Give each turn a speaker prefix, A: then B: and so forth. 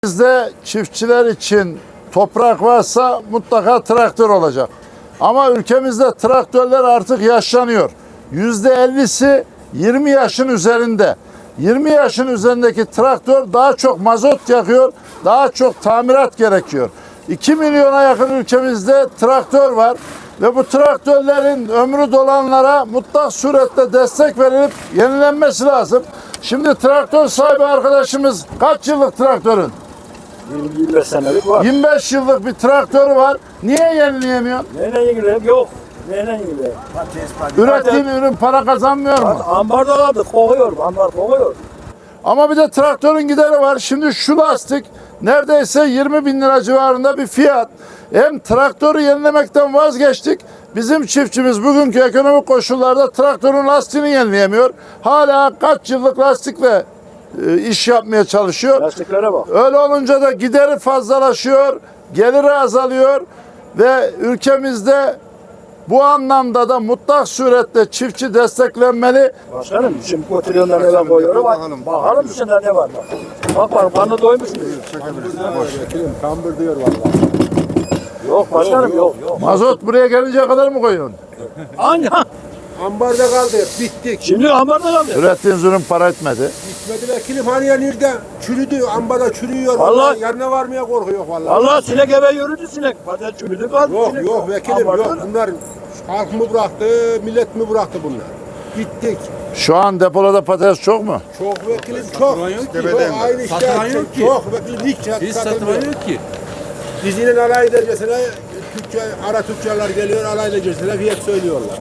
A: Bizde çiftçiler için toprak varsa mutlaka traktör olacak. Ama ülkemizde traktörler artık yaşlanıyor. %50'si 20 yaşın üzerinde. 20 yaşın üzerindeki traktör daha çok mazot yakıyor, daha çok tamirat gerekiyor. 2 milyona yakın ülkemizde traktör var ve bu traktörlerin ömrü dolanlara mutlak surette destek verilip yenilenmesi lazım. Şimdi traktör sahibi arkadaşımız kaç yıllık traktörün?
B: 25 senelik var.
A: 25 yıllık bir traktörü var. Niye yenileyemiyor?
B: Neyle ilgili? Yok. Neyle ilgili?
A: Ürettiğin ürün para kazanmıyor mu?
B: Ambarda kaldı. Kokuyor. Ambar kokuyor.
A: Ama bir de traktörün gideri var. Şimdi şu lastik neredeyse 20 bin lira civarında bir fiyat. Hem traktörü yenilemekten vazgeçtik. Bizim çiftçimiz bugünkü ekonomik koşullarda traktörün lastiğini yenileyemiyor. Hala kaç yıllık lastikle iş yapmaya çalışıyor.
B: Lastiklere bak.
A: Öyle olunca da gideri fazlalaşıyor, geliri azalıyor ve ülkemizde bu anlamda da mutlak surette çiftçi desteklenmeli.
B: Başkanım şimdi kotilyonları eve koyuyorum. Bakalım içinde ne var bak. Bak bak karnı doymuş mu?
C: Kambur diyor vallahi.
B: Yok başkanım yok.
A: Mazot buraya gelinceye kadar mı koyuyorsun?
B: Hangi?
C: Ambarda kaldı. Bittik.
B: Şimdi ambarda kaldı.
A: Ürettiğiniz ürün para etmedi.
C: Bitmedi vekilim hani ya nerede? Çürüdü. Ambarda çürüyor.
B: Vallahi-
C: Yanına varmaya korkuyor vallahi.
B: Allah sinek eve yürüdü sinek. Patates çürüdü kaldı.
C: Yok
B: sinek.
C: yok vekilim
B: Ambarda
C: yok.
B: öyle.
C: Bunlar halk mı bıraktı, millet mi bıraktı bunlar? Bittik.
A: Şu an depolarda patates çok mu?
C: Çok vekilim çok. Çok aynı işte.
D: Satılan yok ki.
C: Çok vekilim hiç satılmıyor.
D: yok ki.
C: Biz yine alay edercesine ara tüccarlar geliyor alay edercesine fiyat söylüyorlar.